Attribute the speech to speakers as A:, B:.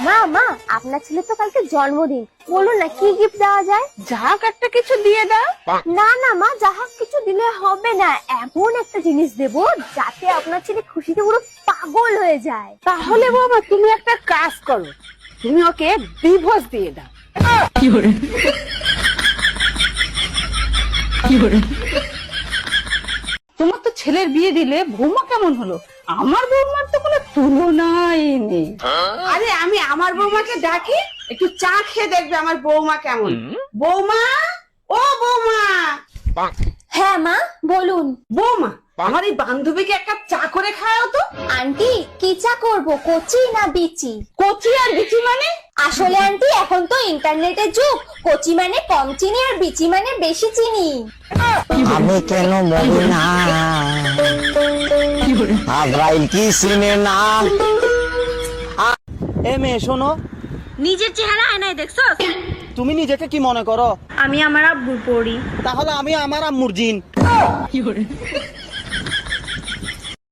A: মা মা, আপনার ছেলে তো কালকে জন্মদিন, বলুন না কি গিফট দেওয়া যায়?
B: যাক একটা কিছু দিয়ে দাও।
A: না না মা, যাহা কিছু দিলে হবে না, এমন একটা জিনিস দেবো যাতে আপনার ছেলে খুশিতে পুরো পাগল হয়ে যায়।
B: তাহলে বাবা তুমি একটা কাজ করো, তুমি ওকে ডিভোর্স দিয়ে দাও। তোমার তো ছেলের বিয়ে দিলে বৌমা কেমন হলো? আমার বৌমার তো কোনো তুলনাই নেই। আরে আমি আমার বৌমাকে ডাকি, একটু চা খেয়ে দেখবে আমার বৌমা কেমন। বৌমা, ও বৌমা।
A: হ্যাঁ মা বলুন।
B: বৌমা, আমার এই বান্ধবীকে এক কাপ চা করে খাওয়াও তো।
A: আন্টি কি চা করবো, কচি না বিচি?
B: কচি আর বিচি মানে?
A: আসলে আন্টি এখন তো ইন্টারনেটের যুগ, কচি মানে কম চিনি আর বিচি মানে বেশি চিনি।
C: আমি কেন বলি না আজরাইল কি চিনে না। এ মেয়ে শোনো,
A: নিজের চেহারা আয়নায় দেখছো?
C: তুমি নিজেকে কি মনে করো?
A: আমি আমার আব্বুর পড়ি।
C: তাহলে আমি আমার আম্মুর জিন।